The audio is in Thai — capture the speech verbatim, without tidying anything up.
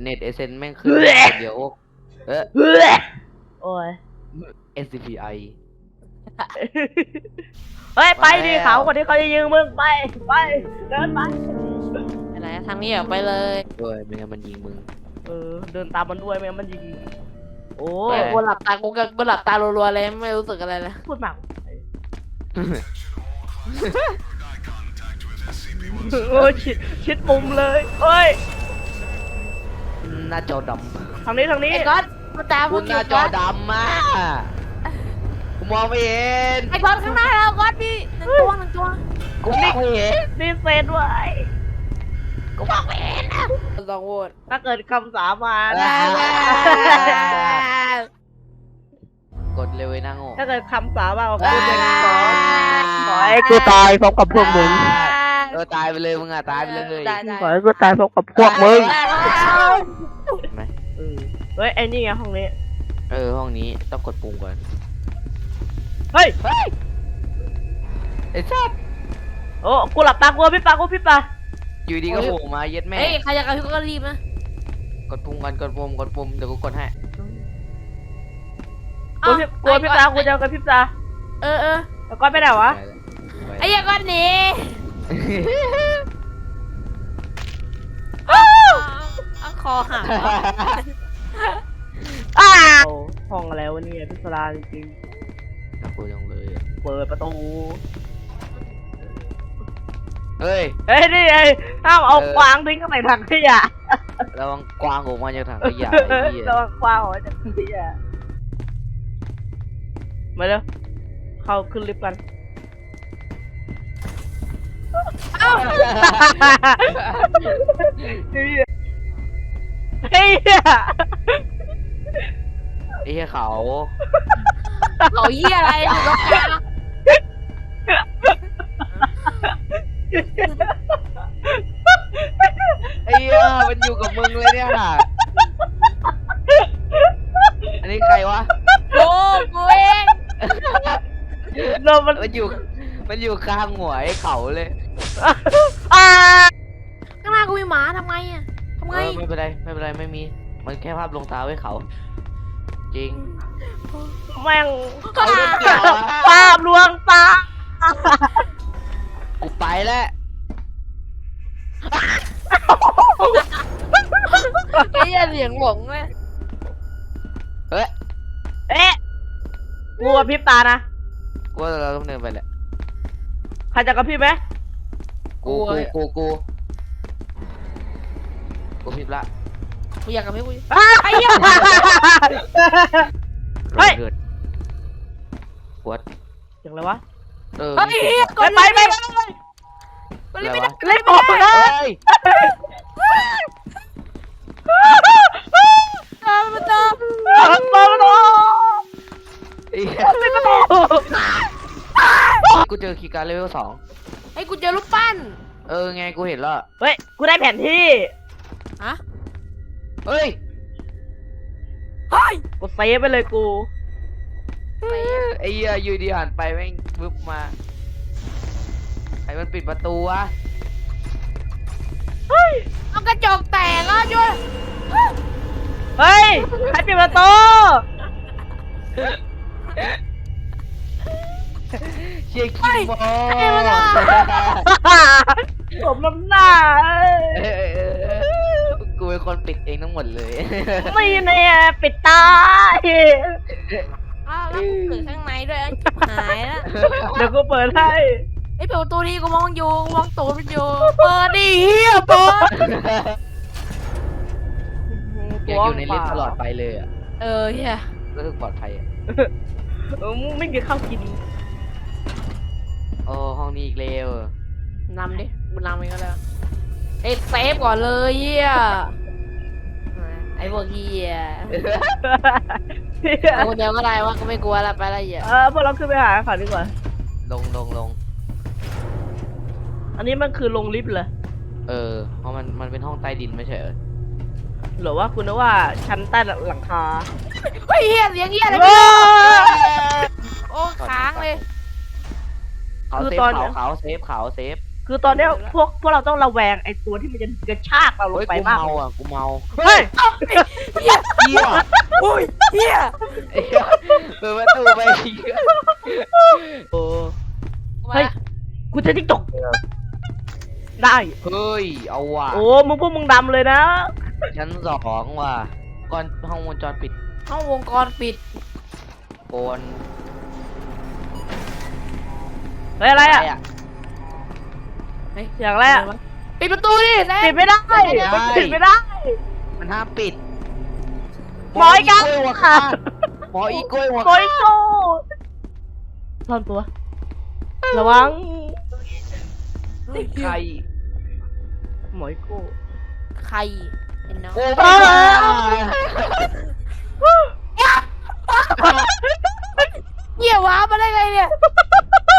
เน็ตเอเซนแม่งขึ้นเดี๋ยวเออโอ้ยเอส ซี พี ไอเฮ้ยไปดิเขาคนที่เขาจะยิงมึงไปไปเดินไปอะไรทางนี้ออกไปเลยเว้ยไม่งั้นมันยิงมึงเออเดินตามมันด้วยไม่งั้นมันยิงโอ้โอ้ยกูหลับตากูก็กูหลับตารัวๆเลยไม่รู้สึกอะไรเลยพูดมากโอ้ยชิดชิดมุมเลยเฮ้ยหน้าจอดทางนี้ทางนี้ไอ้ก๊อตมาตามำกูกูหน้าจอดำมากกูมองไม่เห็นไอ้ก๊อตข้างหน้าเราก๊อตพี่หนึ่งตัวหนึ่งตัวกูมองไม่เห็นนี่เซนไว้กูมองไม่เห็นนะลองโหวตถ้าเกิดคำสาบานกดเร็วไอ้นางโง่ถ้าเกิดคำสาบานของกูจะขอขอให้กูตายพร้อมกับพวกมึงเออตายไปเลยมึงอ่ะตายไปเลยได้ได้ขอให้กูตายพร้อมกับพวกมึงเห็นไหมเฮ้ยไอ้นี่ไงห้องนี้เออห้องนี้ต้องกดปุ่มก่อนเฮ้ยเฮ้ยไอ้สัสโอ้กูหลับตากูพี่ปากูพี่ปาอยู่ดีก็โผล่มาเย็ดแม่เฮ้ยใครอยากกระพริบก็รีบนะกดปุ่มก่อนกดปุ่มกดปุ่มเดี๋ยวกูกดให้กูพี่กูพี่ปากูจะกับพี่ปาเออเออแล้วก็ไปไหนวะไอ้ยังก๊อตหนีเอาคอหักอ้าห้องอะไรวะเนี่ยพิศดารจริงน่ากลัวจังเลยอะๆเปิดประตูเฮ้ยเฮ้ยนี่ไงห้ามเอากวางทิ้งเข้าไปถังขยะระวังกวางออกมาจากถังขยะไอ้เหี้ยระวังกวางออกมาจากถังขยะมาเร็วเข้าขึ้นลิฟต์กันเอ้าเฮ้ยไอ้เหี้ยเขาเขาเหี้ยอะไรอยู่ตรงกลางไอ้เหี้ยมันอยู่กับมึงเลยเนี่ยอันนี้ใครวะกูกูเองโดนมันมันอยู่มันอยู่ข้างหัวไอ้เขาเลยอ่าข้างหน้ากูมีหมาทำไงอ่ะทำไงเออไม่เป็นไรไม่เป็นไรไม่มี มันแค่ภาพลวงตาไว้เขา จริงแม่งเอาเรื่องเกี่ยวอะภาพลวงตากูไปแล้วไอ้เหี้ยเสียงหลงเลยเฮ้ยเอ๊ะกูกับพริบตานะกูว่าเราต้องเดินไปแหละใครจะกับพี่ไหมกูกูกูกูกูผิดละกูอยากกับพี่กูอ้าไอ้เหี้ยเฮ้ยเกิดปวดเสียงอะไรวะเออเฮ้ยมีเสียงกดไปไปไปไปกูรีบไม่ได้เล่นออกนะเฮ้ยตามมาตามมามามาไอ้เหี้ยเล่นประตูกูเจอคีย์การ์ดเลเวลสองไอ้กูเจอรูปปั้นเออไงกูเห็นแล้วเฮ้ยกูได้แผนที่ฮะเฮ้ยเฮ้ยกูเซฟไปเลยกูไอ้เหี้ยอยู่ดีหันไปแม่งวึบมาใครมันปิดประตูวะเฮ้ยเอากระจกแตกแล้วช่วยเฮ้ยใครปิดประตูเชี่ยขี้โมผมน้ำหน้าเออเออเออกูเป็นคนปิดเองทั้งหมดเลยไม่เนี่ยปิดตาอ้าวแล้วกูเปิดข้างในด้วยหายแล้วเดี๋ยวกูเปิดให้ไอ้เปิดประตูที่กูมองอยู่กูมองตูดมันอยู่เปิดดิเฮียเปิดอยากอยู่ในลิฟต์ตลอดไปเลยอ่ะเออเฮียรู้สึกปลอดภัยอ่ะเออไม่มีข้าวกินโอ้ห้องนี้อีกแล้วนำดิกูนำเองก็แล้วไอ้เซฟก่อนเลยเฮียไอ้พวกเฮียเอาคนเดียวก็ได้วะก็ไม่กลัวละไปละเฮียเออพวกเราขึ้นไปหาเขาดีกว่าลงลงลงอันนี้มันคือลงลิฟต์เหรอเออเพราะมันมันเป็นห้องใต้ดินไม่ใช่เหรอหรือว่าคุณนึกว่าชั้นใต้หลังคาเฮ้ยเฮียเสียงเฮียอะไรโอ้โอ้ค้างเลยเขาเซฟเขาเขาเซฟเขาเซฟคือตอนเนี้ยพวกพวกเราต้องระแวงไอ้ตัวที่มันจะกระชากเราลงเฮ้ยไปกูมากเมาอ่ะกูเมาเฮ้ยเหี้ยเฮียอุ้ยเหี้ยไอ้เหี้ยเปิดประตูไปเหี้ยโอ้เฮ้ย กูจะติ๊กตกได้เฮ้ยเอาว่ะโอ้มึงพวกมึงดำเลยนะชั้นสองว่ะก่อนห้องวงจรปิดห้องวงกรปิดโกนเฮ้ยอะไรอ่ะเฮ้ยเสียงอะไรอ่ะปิดประตูดิแซปิมดไม่ได้มันปิดไม่ได้มันห้ามปิดหมออีกแล้วกล้วยหัวขาดหมออีกล้วยหัวโอยโก้ซ่อนตัว ระวังใครหมอยโก้ใครเห็นเนาะโอ้ไม่ได้เหี้ยว้ามาได้ไงเนี่ย